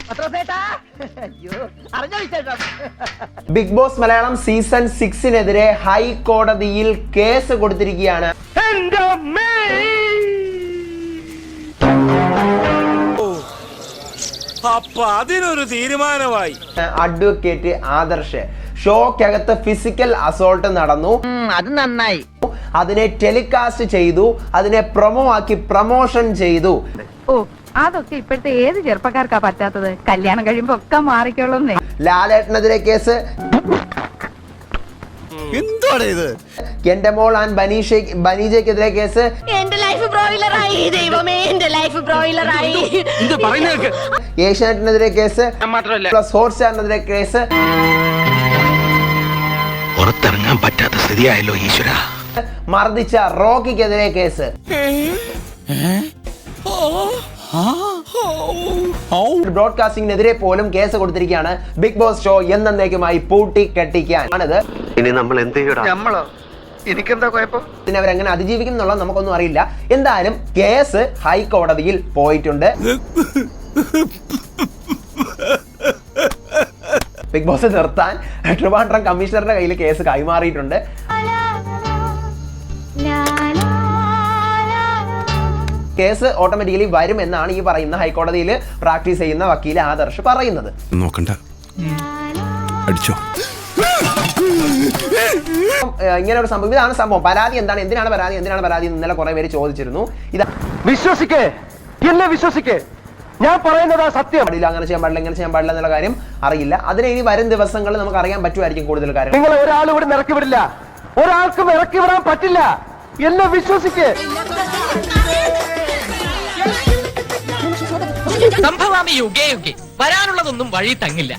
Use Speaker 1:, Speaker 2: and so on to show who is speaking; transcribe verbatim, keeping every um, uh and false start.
Speaker 1: Big boss Malayalam season സിക്സിനെതിരെ ഹൈക്കോടതിയിൽ case കൊടുത്തിരിക്കുകയാണ്.
Speaker 2: അപ്പൊ അതിനൊരു തീരുമാനമായി.
Speaker 1: അഡ്വക്കേറ്റ് ആദർശ് ഷോക്കകത്ത് ഫിസിക്കൽ അസോൾട്ട് നടന്നു,
Speaker 3: അത് നന്നായി.
Speaker 1: അതിനെ ടെലികാസ്റ്റ് ചെയ്തു, അതിനെ പ്രൊമോ ആക്കി പ്രൊമോഷൻ ചെയ്തു.
Speaker 4: ഓ അതൊക്കെ ഇപ്പോഴത്തെ ഏത് ചെറുപ്പക്കാർക്കാ പറ്റാത്തത്? കല്യാണം കഴിയുമ്പോ ഒക്കെ മാറിക്കോളുന്നേ.
Speaker 1: ലാലേട്ടനെതിരെ കേസ്,
Speaker 2: എന്താണ് ഇത്?
Speaker 1: എന്റെ മോൾ ആൻഡ് ബനീഷ ബനീജയ്ക്കെതിരെ കേസ്,
Speaker 5: എന്റെ ലൈഫ് ബ്രോയിലറായി ദൈവമേ, എന്റെ ലൈഫ് ബ്രോയിലറായി.
Speaker 1: ഏഷ്യാനെറ്റിനെതിരെ കേസ്, പ്ലസ് ഹോട്ട്സ്റ്റാറിനെതിരെ കേസ്,
Speaker 6: പുറത്തിറങ്ങാൻ പറ്റാത്ത സ്ഥിതിയായല്ലോ ഈശ്വര.
Speaker 1: മർദ്ദിച്ച റോക്കിക്കെതിരെ കേസ്, ബ്രോഡ്കാസ്റ്റിംഗിനെതിരെ പോലും കേസ് കൊടുത്തിരിക്കുകയാണ്. ബിഗ് ബോസ് ഷോ എന്നേക്കുമായി പൂട്ടി കെട്ടിക്കാൻ ആണിത്.
Speaker 6: ഇനി നമ്മൾ എന്ത് ചെയ്യണം?
Speaker 3: നമ്മളോ? എനിക്കെന്താ കുഴപ്പം?
Speaker 1: പിന്നെ അവരെങ്ങനെ അതിജീവിക്കും എന്നുള്ളത് നമുക്കൊന്നും അറിയില്ല. എന്തായാലും കേസ് ഹൈക്കോടതിയിൽ പോയിട്ടുണ്ട്. ബിഗ് ബോസ് നിർത്താൻ ട്രിവാൻഡ്രം കമ്മീഷണറുടെ കയ്യിൽ കേസ് കൈമാറിയിട്ടുണ്ട്. കേസ് ഓട്ടോമാറ്റിക്കലി വരും എന്നാണ് ഈ പറയുന്ന ഹൈക്കോടതിയിൽ പ്രാക്ടീസ് ചെയ്യുന്ന വക്കീൽ ആദർശ് പറയുന്നത്.
Speaker 2: നോക്കണ്ട, അടിച്ചോ.
Speaker 1: ഇങ്ങനെ ഒരു സംഭവം, ഇതാണ് സംഭവം. പരാതി എന്താണ്, എന്തിനാണ് പരാതി, എന്തിനാണ് പരാതി ഇന്നലെ കുറെ പേര് ചോദിച്ചിരുന്നു. ഇതാ
Speaker 7: വിശ്വസിക്കേ, എന്നെ വിശ്വസിക്കേ, ഞാൻ പറയുന്നതാ സത്യം.
Speaker 1: അങ്ങനെ ചെയ്യാൻ പാടില്ല, ഇങ്ങനെ ചെയ്യാൻ പാടില്ല എന്നുള്ള കാര്യം അറിയില്ല. അതിന് ഇനി വരും ദിവസങ്ങളിൽ നമുക്ക് അറിയാൻ പറ്റുമായിരിക്കും കൂടുതൽ കാര്യം.
Speaker 7: നിങ്ങൾ ഒരാൾ ഇവിടെ ഇറക്കി വിടില്ല, ഒരാൾക്കും ഇറക്കി വിടാൻ പറ്റില്ല. എന്നെ വിശ്വസിക്കേ.
Speaker 8: സംഭവാമി യുഗേ യുഗേ വരാനുള്ളതൊന്നും വഴി തങ്ങില്ല.